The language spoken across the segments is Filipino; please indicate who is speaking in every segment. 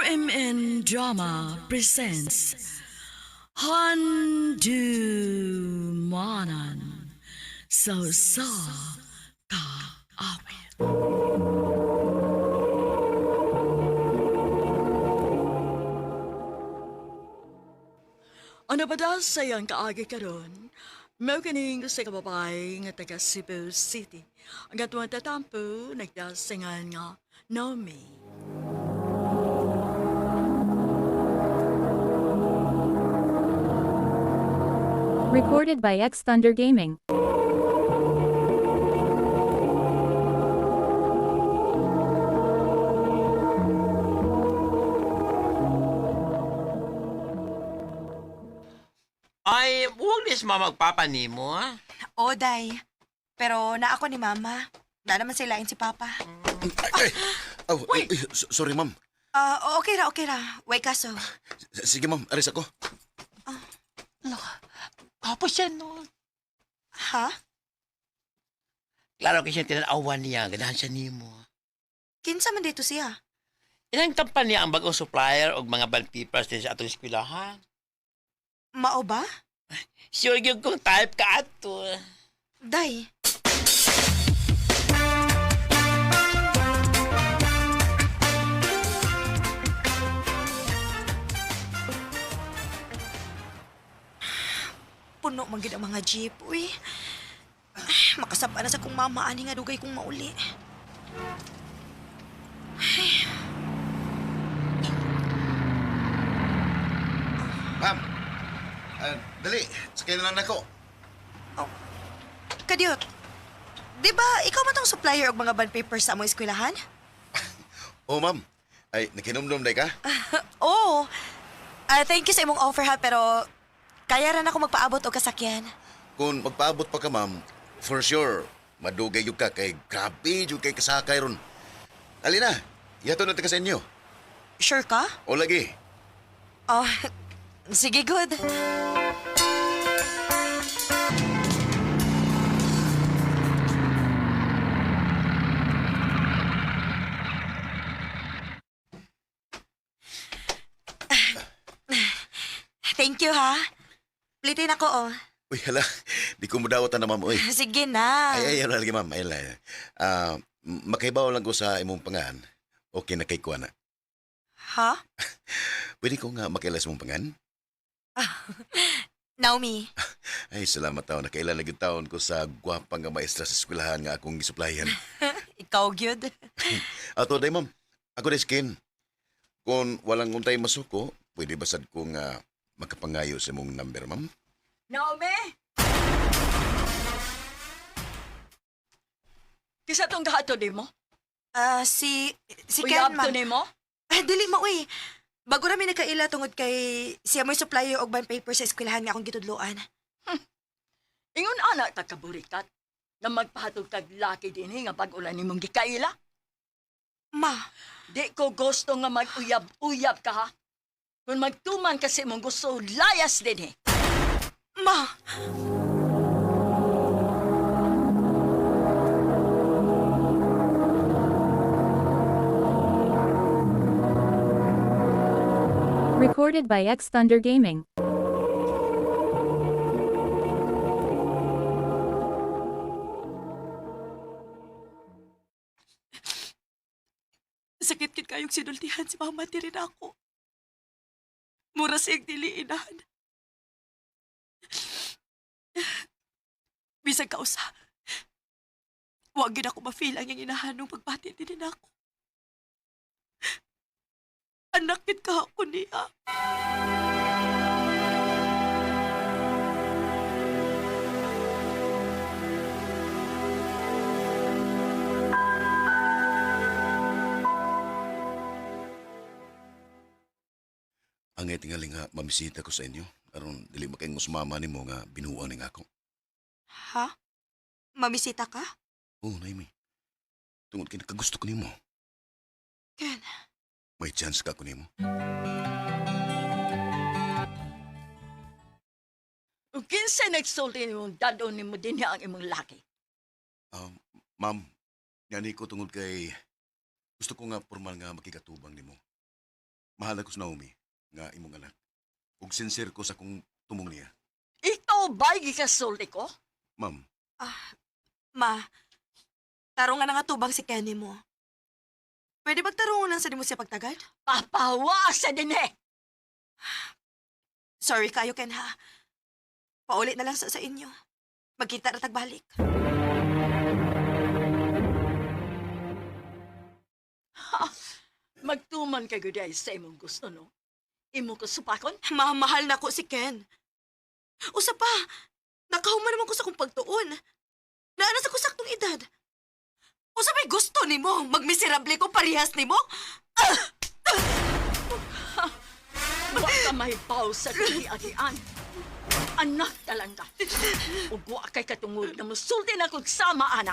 Speaker 1: RMN Drama presents Handumanan So Ka Awit. Ano ba daw sayang kaagi karon? Mao kining sa kababay nga taga Cebu City. Ang gatuang tatampo nagdasingan nga Naomi.
Speaker 2: Recorded by X Thunder Gaming.
Speaker 3: Ay, huwag nis magpapa nimo, ha?
Speaker 4: O, day. Pero na ako ni Mama. Na naman silain si Papa.
Speaker 5: Ay, sorry, ma'am.
Speaker 4: Okay ra. Way kaso.
Speaker 5: Sige, ma'am. Aris ako.
Speaker 3: Tapos yan, no?
Speaker 4: Ha?
Speaker 3: Klaro kasi tinanawan niya, ganahan siya nimo.
Speaker 4: Kinsa man dito siya?
Speaker 3: Inang tampan niya ang bagong supplier o mga band papers din sa atong eskwelahan.
Speaker 4: Mao ba?
Speaker 3: Sure yung kung type ka ato.
Speaker 4: Day. Puno man gid ang mga jeep, uy. Makasaba na sa kong mama ani nga dugay kong mauli.
Speaker 5: Ma'am. Dali. Sakay na lang ako.
Speaker 4: Kadyot, di ba ikaw man tong supplier og mga bond papers sa among eskwelahan?
Speaker 5: Oh, ma'am. Ay, nakinomdom day ka?
Speaker 4: Oo. Thank you sa imong offer ha, pero kaya rin ako magpaabot og kasakyan.
Speaker 5: Kung magpaabot pa ka, ma'am, for sure, madugay yung ka kay grabe yung kay kasakay ron. Alina, yato na taga sa inyo.
Speaker 4: Sure ka?
Speaker 5: O lagi.
Speaker 4: Oh, sige, good. Thank you, ha. Plitin ako, oh.
Speaker 5: Uy, hala. Di ko mudawatan na, ma'am. Uy.
Speaker 4: Sige na.
Speaker 5: Ay, lagi, ma'am. Ay, makahibaw lang ko sa imong pangan. Okay na kay kuha na.
Speaker 4: Ha?
Speaker 5: Pwede ko nga makailas mong pangan?
Speaker 4: Naomi.
Speaker 5: Ay, salamat taon. Nakailan lagi taon ko sa gwapang nga maestra sa eskwelahan nga akong gisuplayan.
Speaker 4: Ikaw, good.
Speaker 5: Ato, day, ma'am. Ako day skin. Kung walang untay masuko, pwede basad ko nga makapangayo sa mong number, ma'am?
Speaker 1: Naomi! Kisa tong gahato di mo?
Speaker 4: Si
Speaker 1: Uyab
Speaker 4: Ken, ma.
Speaker 1: to ni mo?
Speaker 4: Dili mo, uy. Bago namin nagkaila tungod kay siya mo'y supplier og bond paper sa eskwelahan nga akong gitudloan.
Speaker 1: Ingon anak tagkaburikat na magpahatog tag laki din nga pag-ulan ni mong gikaila.
Speaker 4: Ma,
Speaker 1: Di ko gusto nga mag-uyab-uyab ka ha. Kung magtuman kasi mong gusto, layas din
Speaker 4: ma.
Speaker 2: Recorded by X Thunder Gaming.
Speaker 4: Sakit-kit kayong sinultihan si mama ti rin ako. Mura siyang diliinan. Bisag kausa. Huwag gid ako ma-feel ang yung inahanong pagbati din ako. Anak kit ka ako niya.
Speaker 5: Ang tingali nga mamisita ko sa inyo. Aron, dili makayong musmama ni mo nga binuang ni nga ako.
Speaker 4: Ha? Mamisita ka?
Speaker 5: Oo, Naimi. Tungod kay nakagusto ko ni mo.
Speaker 4: Ken,
Speaker 5: May chance ka ko ni mo.
Speaker 1: Kung kinsa nagsulti ni mong dadon ni mo din ang imong laki.
Speaker 5: Ma'am, Ngani ko tungod kay gusto ko nga formal nga makikatubang nimo. Mahal ako sa Naomi, nga imong anak. Ug sincere ko sa kung tumong niya.
Speaker 1: Ikaw ba'y gikasulti ko?
Speaker 5: Ma'am,
Speaker 4: Ma, tarong nga na nga tubang si Kenny mo. Pwede magtarungan lang sa di mo siya pagtagad?
Speaker 1: Papawa sa din eh!
Speaker 4: Sorry kayo, Ken, ha? Paulit na lang sa inyo. Magkita na tagbalik.
Speaker 1: Magtuman ka guday sa imong gusto, no? Imo ko supakon?
Speaker 4: Mahal na ko si Ken. Usa pa, nakahuman naman ko sa kong pagtuon. Naana sa kusaktong edad. Usa may gusto ni mo, magmiserable ko parehas ni mo?
Speaker 1: Wa ka may baw sa kati-atian. Anak talang ka. Ug wa kay katungod na musulti na kog sama, anak.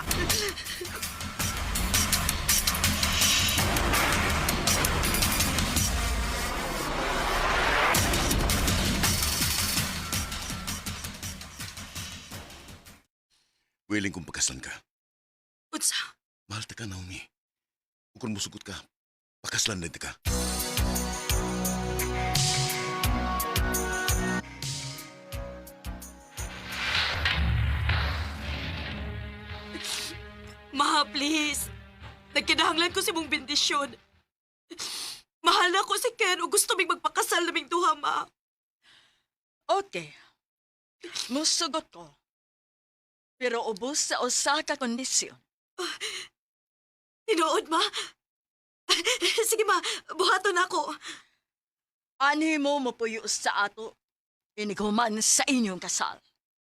Speaker 5: willing kong pakaslan ka.
Speaker 4: Unsa?
Speaker 5: Mahal ta ka, Naomi. Ug kung musugot ka, pakaslan din ta ka.
Speaker 4: Ma, please. Nagkinahanglan ko si mong bendisyon. Mahal na ko si Ken o gusto mig magpakasal naming duha, ma.
Speaker 1: Okay. Musugot ko. Pero ubos sa usa ka kondisyon.
Speaker 4: Tinuod, ma. Sige, ma. Buhaton ako.
Speaker 1: Ani mo mapuyo sa ato. Iniguman sa inyong kasal.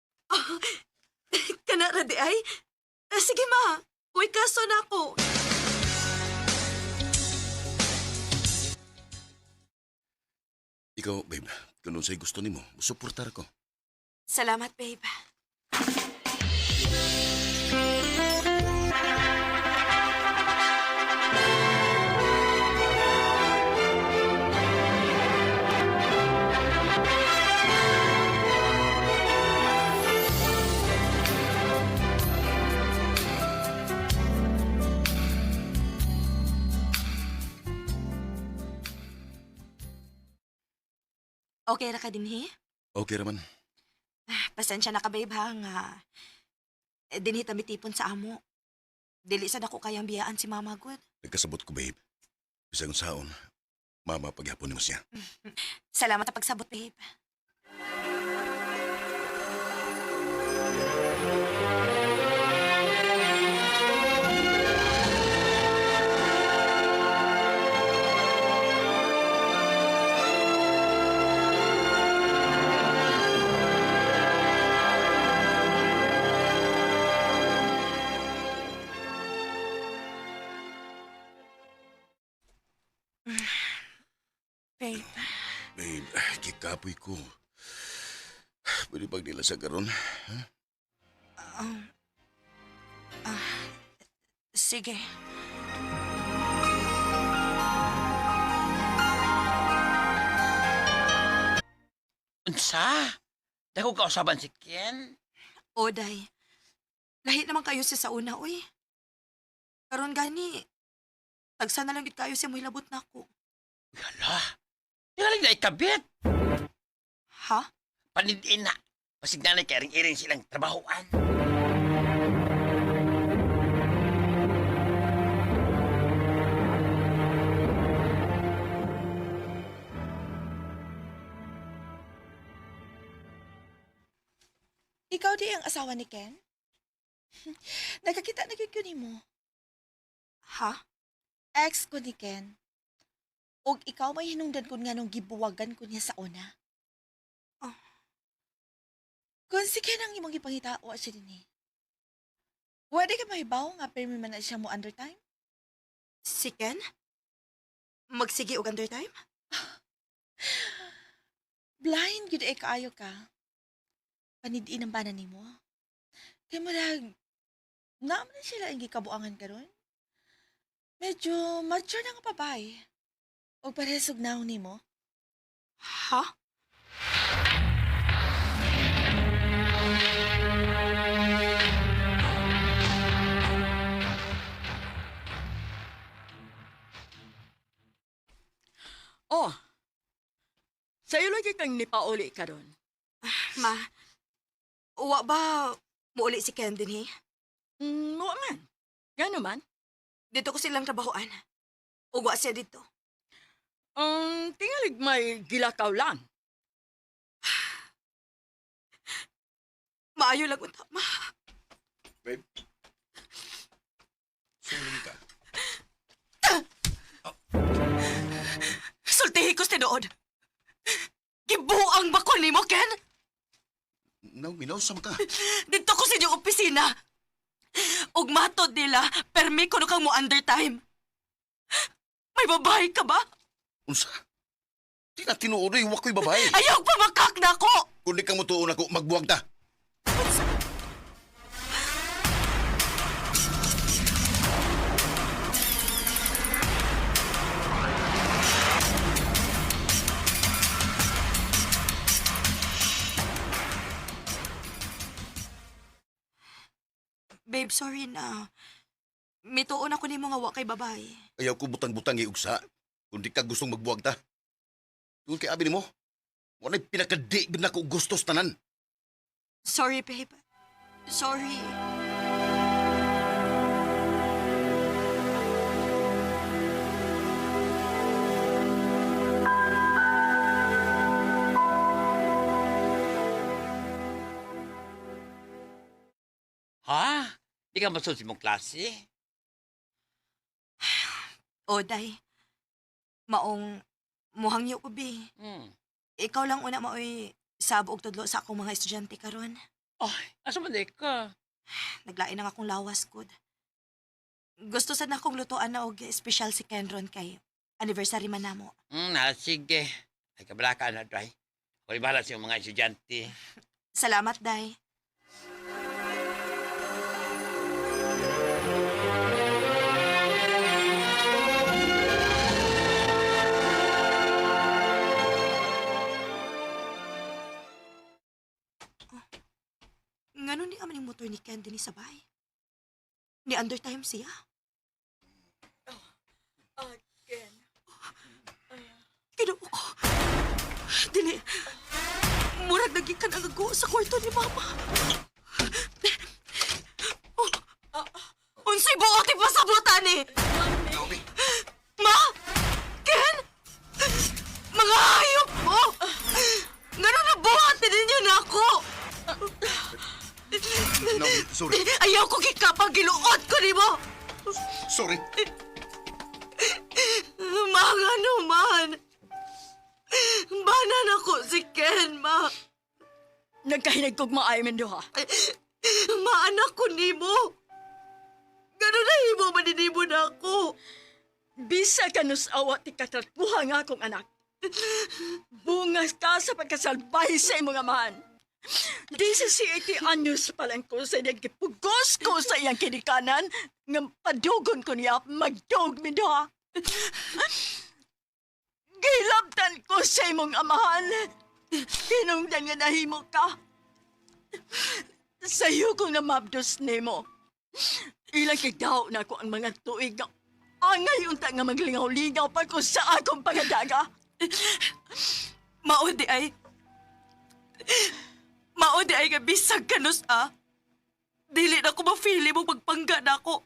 Speaker 4: Kana ra di ay? Sige, ma. Uy, kaso na ako.
Speaker 5: Ikaw, babe, kung sa'y gusto nimo, suportar ko.
Speaker 4: Salamat, babe. Okay ra ka dinhi?
Speaker 5: Okay raman.
Speaker 4: Pasensya na ka, babe, ha, nga. Dinhi tamitipon sa amo. Dili sa dako kayang biyaan si Mama Good.
Speaker 5: Nagkasabot ko, babe. Bisag saon, mama paghapon nimo siya.
Speaker 4: Salamat sa pagsabot, babe. Babe,
Speaker 5: Babe, kikapoy ko. Pwede pag nila sa garon?
Speaker 4: sige.
Speaker 3: Unsa? Dako ka usaban si Ken?
Speaker 4: Oday, lahi naman kayo siya sa una, uy. Karon gani, tagsa na lang gid kayo siya mo hilabot na ako.
Speaker 3: Yala. Tingaling na ikabit.
Speaker 4: Ha?
Speaker 3: Panidiin na. Pasig nanay kairing-iring silang trabahoan.
Speaker 6: Ikaw di ang asawa ni Ken? Nakakita na gyud ko nimo.
Speaker 4: Ha?
Speaker 6: Ex ko ni Ken. Og ikaw may hinungdan ko nga nung gibuwagan ko niya sa una.
Speaker 4: Oh.
Speaker 6: Kung si Ken ang imong ipangitawa siya din eh. Pwede ka mahibaw nga permi man na siya mo under time?
Speaker 4: Si Ken? Magsige og under time?
Speaker 6: Blind gyud ay kaayo ka. Panidiin ang bana nimo. Kay marag naman sila ang gikabuangan karon. Medyo mature na nga babae. O parehasog na nimo.
Speaker 4: Ha?
Speaker 1: Oh, Sa'yo lagi kang nipauli karon.
Speaker 4: Ma, uwa ba muuli si Ken din, eh?
Speaker 1: Mo man. Gano man?
Speaker 4: Dito ko silang trabahoan. Uwa siya dito.
Speaker 1: Ang tingalig may gilakaw lang.
Speaker 4: Maayo lang unta, ma.
Speaker 5: Babe. Sorry ka.
Speaker 4: Sultihi ko si Dood. Gibuang ba ko ni mo, Ken?
Speaker 5: Naomi, nausam ka.
Speaker 4: Dito ko sa inyong opisina. Ug matod nila, permi ko no kang mo undertime. May babae ka ba?
Speaker 5: Unsa? Di na tinuodoy, wako'y babae.
Speaker 4: Ayaw pa makak na ko!
Speaker 5: Kung di ka mo tuon ako, magbuwag ta.
Speaker 4: Babe, sorry na. Mituon ako ni mga wa kay babae.
Speaker 5: Ayaw ko butang-butang iugsa. Kung di ka gustong magbuwag ta. Tungkol kay abi ni mo, wala pinakadi na ko gustos tanan.
Speaker 4: Sorry, babe. Sorry.
Speaker 3: Ha? Di ka masunod mong klase?
Speaker 4: Oday. Maong muhangyo ko, bi.
Speaker 3: Hmm.
Speaker 4: Ikaw lang una maoy sabo og tudlo sa akong mga estudyante karon.
Speaker 3: Ay, asa man di ka?
Speaker 4: Naglain ang akong lawas gud. Gusto sad na akong lutoan na og special si Kenron kay anniversary man namo.
Speaker 3: Sige. Ay, kabala ka na, Dry. Ako bahala sa iyong mga estudyante.
Speaker 4: Salamat, Day. Ngano ni aman yung motor ni Ken din sa bahay? Ni undertime siya?
Speaker 1: Again.
Speaker 4: Kinuo ko. Dili. Murag nagikan ang ago sa kwarto ni Mama. Oh, unsay buot ipasabutan ni?
Speaker 5: Naomi,
Speaker 4: Ma! Ken! Mga hayop mo! Ngano na buhat din ninyo na ako?
Speaker 5: Naomi, sorry.
Speaker 4: Ayaw ko gikapang giluot ko ni mo!
Speaker 5: Sorry.
Speaker 4: Mga naman! Banan ako si Ken, Ma!
Speaker 1: Nagkahinag kog maay man ha.
Speaker 4: Maanak ko ni mo! Gano'n na himo maninimo na ako!
Speaker 1: Bisa ka nus awa ti katratuha nga akong anak. Bungas ka sa pagkasalbay sa imong amahan. 17 anyos pa lang ko sa nagipugos ko sa iyang kinikanan nga padugon ko niya magdog mi ha. Gilabtan ko sa imong amahan. Hinungdan nga nahimo ka. Sa'yo kong namabdos nimo. Ilang kagdaw na ko ang mga tuig nga angay unta nga maglingaw-lingaw pa ko sa akong pangadaga.
Speaker 4: Maudi ay nga bisag kanus Dili na ko mafili mo magpangga na ako.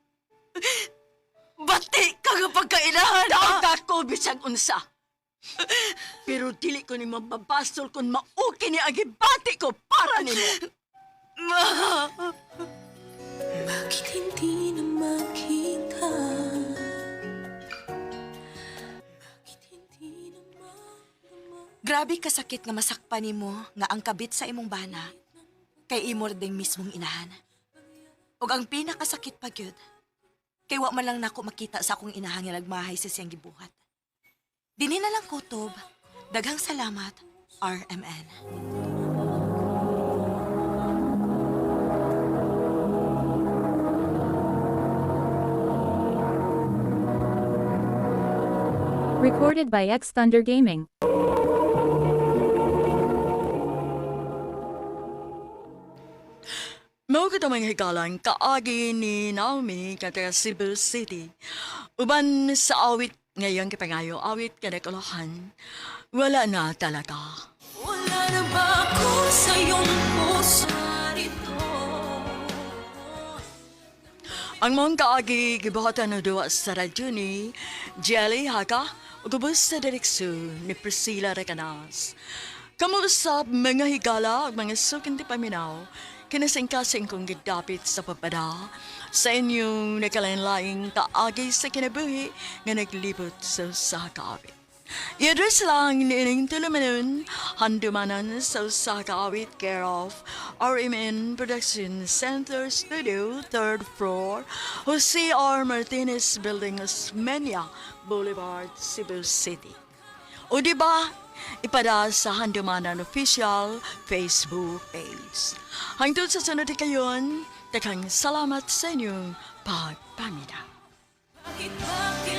Speaker 4: Bati ka nga pagkainahan,
Speaker 1: Daog ako bisag unsa. Pero dili ko ni mababasol kung mauki ni agibati ko para nimo.
Speaker 4: Ma!
Speaker 7: Bakit hindi na makita? Bakit hindi na madama?
Speaker 4: Grabe kasakit nga masakpan nimo nga ang kabit sa imong bana kay imor ding mismong inahan. Ug ang pinakasakit pa gyud kay wa man lang nako makita sa akong inahan nga nagmahay sa siyang gibuhat. Dinhi na lang kutob. Daghang salamat, RMN.
Speaker 2: Recorded by X Thunder Gaming.
Speaker 1: Mao kita mga higalan kaagi ni Naomi kata Cebu City. Uban sa awit ngayon kipangayo awit kada kalahan. wala na talaga.
Speaker 7: Wala na ba ako sa iyong puso rito?
Speaker 1: Ang mong kaagi gibuhatan na duwa sa radyo ni Jelly Haga o gubos sa direksyon ni Priscilla Recanas. Kamuusap mga higala at mga sukin di paminaw, kinasingkasing kong gidapit sa papada sa inyong nakalanlaing kaagi sa kinabuhi nga naglibot sa kaawit. I-address lang ni ining tulumanon, handumanan sa Sakawit care of RMN Production Center Studio, 3rd floor, Jose R. Martinez Building, Osmeña Boulevard, Cebu City. O diba, ipada sa handumanan official Facebook page. Hangtod sa sunod kayon, takang salamat sa inyong pagpamida.
Speaker 7: Bakit